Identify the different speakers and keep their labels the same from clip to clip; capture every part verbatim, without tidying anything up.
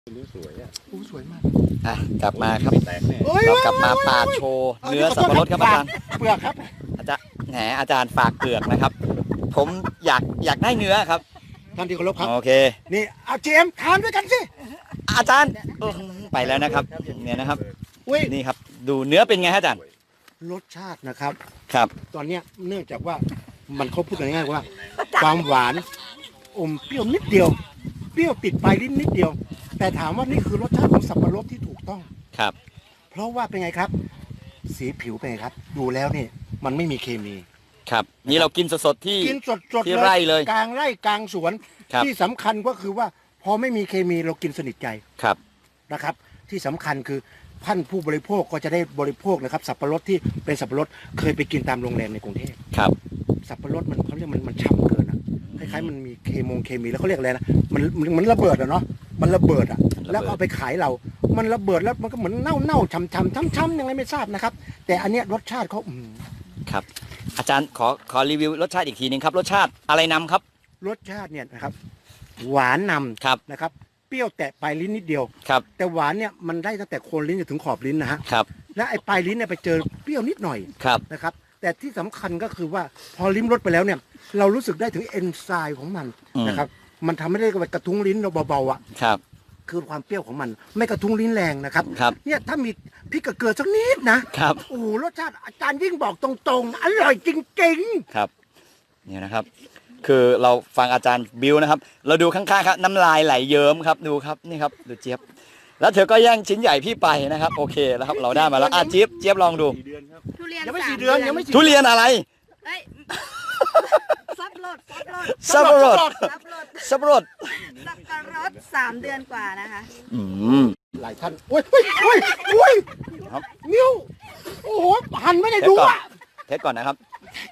Speaker 1: นี่สวยอ่ะโอ้สวยมาก
Speaker 2: อ่ะกลับมาครับเรากลับมาปาดโชว์เนื้อสับปะรดครับอาจารย์
Speaker 1: เปลือกครับ
Speaker 2: อาจารย์แหมอาจารย์ฝากเปลือกนะครับ ผมอยากอยากได้เนื้อครับ
Speaker 1: ท่านที่เคารพครับ
Speaker 2: โอเค
Speaker 1: นี่เอาเจมทานด้วยกันสิ
Speaker 2: อาจารย์ไปแล้วนะครับเนี่ยนะครับนี่ครับดูเนื้อเป็นไงฮะอาจารย์
Speaker 1: รสชาตินะครับ
Speaker 2: ครับ
Speaker 1: ตอนนี้เนื่องจากว่ามันเขาพูดง่ายๆว่าความหวานอมเปรี้ยวนิดเดียวเปรี้ยวติดปลายลิ้นนิดเดียวแต่ถามว่านี่คือรสชาติของสับปะรดที่ถูกต้อง
Speaker 2: ครับ
Speaker 1: เพราะว่าเป็นไงครับสีผิวเป็นไงครับดูแล้วนี่มันไม่มีเคมี
Speaker 2: ครับนี่เรากินสดๆที่
Speaker 1: กินสดๆ
Speaker 2: ที่ไร่เลย
Speaker 1: กลางไร่กลางสวนที่สำคัญก็คือว่าพอไม่มีเคมีเรากินสนิทใจ
Speaker 2: ครับ
Speaker 1: นะครับที่สำคัญคือท่านผู้บริโภคก็จะได้บริโภคนะครับสับปะรดที่เป็นสับปะรดเคยไปกินตามโรงแรมในกรุงเทพ
Speaker 2: ครับ
Speaker 1: สับปะรดมันเขาเรียกมันมันฉ่ำเกินอ่ะคล้ายๆมันมีเคมงเคมีแล้วเขาเรียกอะไรนะมันมันระเบิดอ่ะเนาะมันระเบิดอ่ะแล้วเอาไปขายเรามันระเบิดแล้วมันก็เหมือนเน่าเน่าฉ่ำฉ่ำช้ำช้ำยังไงไม่ทราบนะครับแต่อันเนี้ยรสชาติเขาอืม
Speaker 2: ครับอาจารย์ขอขอรีวิวรสชาติอีกทีนึงครับรสชาติอะไรนำครับ
Speaker 1: รสชาติเนี่ยนะครับหวานนำ
Speaker 2: ครับ
Speaker 1: นะครับเปรี้ยวแตะปลายลิ้นนิดเดียว
Speaker 2: ครับ
Speaker 1: แต่หวานเนี่ยมันได้ตั้งแต่โคนลิ้นจนถึงขอบลิ้นนะฮะ
Speaker 2: ครับ
Speaker 1: และไอ้ปลายลิ้นเนี่ยไปเจอเปรี้ยวนิดหน่อย
Speaker 2: ครับ
Speaker 1: นะครับแต่ที่สำคัญก็คือว่าพอลิ้มรสไปแล้วเนี่ยเรารู้สึกได้ถึงเอนไซม์ของมันนะครับมันทำให้ได้กระทุ้งลิ้นเราเบาๆอ่ะ
Speaker 2: ครับ
Speaker 1: คือความเปรี้ยวของมันไม่กระทุ้งลิ้นแรงนะครับ
Speaker 2: ครับ
Speaker 1: เนี่ยถ้ามีพริกกับเกลือสักนิดนะครับโอ้โหรสชาติอาจารย์ยิ่งบอกตรงๆอร่อยจริง
Speaker 2: ๆครับเนี่ยนะครับคือเราฟังอาจารย์บิวนะครับเราดูข้างๆครับน้ำลายไหลเยิ้มครับดูครับนี่ครับดูเจี๊ยบแล้วเธอก็แย่งชิ้นใหญ่พี่ไปนะครับโอเคแล้วครับเราได้มาแล้วอ่ะเจี๊ยบเจี๊ยบลองดู
Speaker 3: ทุเรียน
Speaker 1: ยังไม่สี่เดือนยังไม่
Speaker 2: ทุเรียนอะไร
Speaker 3: สับปะรดสับปะรด
Speaker 2: สับปะรดสับปะรด
Speaker 3: สับปะรดสามเดือนกว่านะคะ
Speaker 2: อืม
Speaker 1: หลายท่านโอ้ยโอ้ยโอ้ยโอ้ยนิ้วโอ้โหหันไม่ได้ดูอ่ะ
Speaker 2: เทสก่อนนะครับ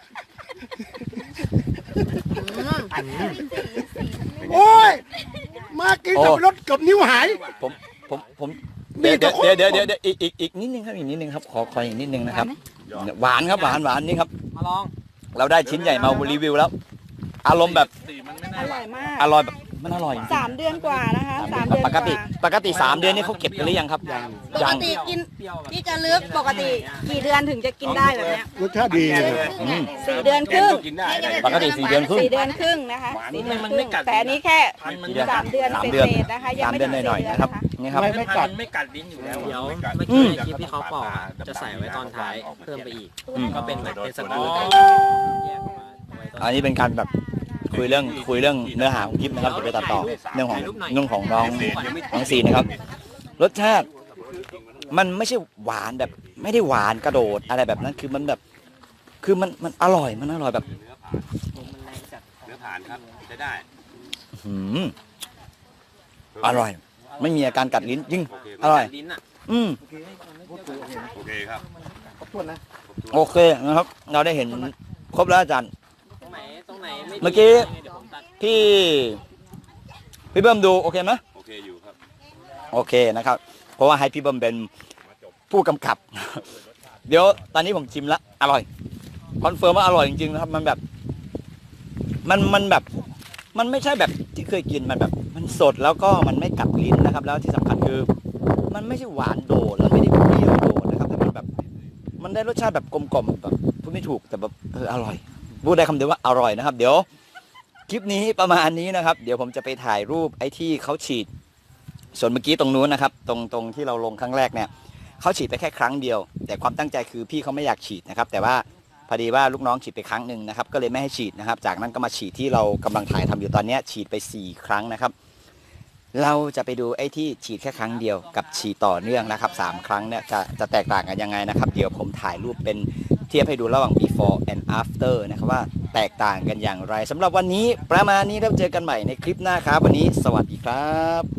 Speaker 1: โอ้ยมากินสับปะรดกับนิ้วหาย
Speaker 2: ผมผมผมเดี๋ยวเดี๋ยวเดี๋ยวเดี๋ยวเดี๋ยวอีกอีกอีกนิดนึงครับอีกนิดนึงครับขอขออีกนิดนึงนะครับหวานครับหวานหวานนี่ครับ
Speaker 4: มาลอง
Speaker 2: เราได้ชิ้นใหญ่มารีวิวแล้วอารมณ์แบบ
Speaker 3: อร่อยมาก
Speaker 2: อร่อยแบบมันอร่อย
Speaker 3: สามเดือนกว่านะคะสามเดือน
Speaker 2: ปกติปกติสามเดือนนี่เขาเก็บกันหรือยังครับ
Speaker 3: ปกติกินที่จะเลือกปกติกี่เดือนถึงจะกินได้แบบนี้
Speaker 1: รสชาติดี
Speaker 3: สี่เดือนครึ่ง
Speaker 2: ปกติสี่เดือนครึ่ง
Speaker 3: สี่เดือนครึ่งนะคะสี่เดือนครึ่งแต่อันนี้แค่สามเดือนเศษๆนะคะยังไม่ถึงสี่เดือนนะครับ
Speaker 2: นี่ครับ
Speaker 4: ไม่กัดไม่กัดลิ้นอยู่แล้วเดี๋ยวเมื่อกี้ในคลิปที่เขาปอกจะใส่ไว้ตอนท้ายเพิ่มไปอีกก็เป็นแบบเป็นสกู๊ป
Speaker 2: อันนี้เป็นการแบบคุยเรื่องคุยเรื่องเนื้อหาของคลิปนะครับจะไปตัดต่อเรื่องของเรื่องของน้องน้องซีนะครับรสชาติมันไม่ใช่หวานแบบไม่ได้หวานกระโดดอะไรแบบนั้นคือมันแบบคือมันมันอร่อยมันอร่อยแบบ
Speaker 4: เนื้อผ่านครับใช้ได้
Speaker 2: หืมอร่อยไม่มีอาการกัดลิ้นยิ่งอร่อยอืม
Speaker 4: โอเคครับ
Speaker 1: ขอบคุณนะ
Speaker 2: โอเคนะครับเราได้เห็นครบแล้วอาจารย์เมื่อกี้พี่พี่เบิ้มดูโอเคไหม
Speaker 4: โอเคอยู่ครับ
Speaker 2: โอเคนะครับเพราะว่าให้พี่เบิ้มเป็นผู้กำกับเดี๋ยวตอนนี้ผมชิมแล้วอร่อยคอนเฟิร์มว่าอร่อยจริงๆนะครับมันแบบมันมันแบบมันไม่ใช่แบบที่เคยกินมันแบบมันสดแล้วก็มันไม่กัดลิ้นนะครับแล้วที่สำคัญคือมันไม่ใช่หวานโดดแล้วไม่ได้เปรี้ยวโดดนะครับแต่มันแบบมันได้รสชาติแบบกลมๆแบบพูดไม่ถูกแต่แบบเอออร่อยพูดได้คำเดียวว่าอร่อยนะครับเดี๋ยวคลิปนี้ประมาณนี้นะครับเดี๋ยวผมจะไปถ่ายรูปไอ้ที่เขาฉีดส่วนเมื่อกี้ตรงนู้นนะครับตรงตรงที่เราลงครั้งแรกเนี่ยเขาฉีดไปแค่ครั้งเดียวแต่ความตั้งใจคือพี่เขาไม่อยากฉีดนะครับแต่ว่าพอดีว่าลูกน้องฉีดไปครั้งหนึ่งนะครับก็เลยไม่ให้ฉีดนะครับจากนั้นก็มาฉีดที่เรากำลังถ่ายทำอยู่ตอนนี้ฉีดไปสี่ครั้งนะครับเราจะไปดูไอ้ที่ฉีดแค่ครั้งเดียวกับฉีดต่อเนื่องนะครับสามครั้งเนี่ยจะจะแตกต่างกันยังไงนะครับเดี๋ยวผมถ่ายรูปเป็นเทียบให้ดูระหว่าง before and after นะครับว่าแตกต่างกันอย่างไรสำหรับวันนี้ประมาณนี้แล้วเจอกันใหม่ในคลิปหน้าครับวันนี้สวัสดีครับ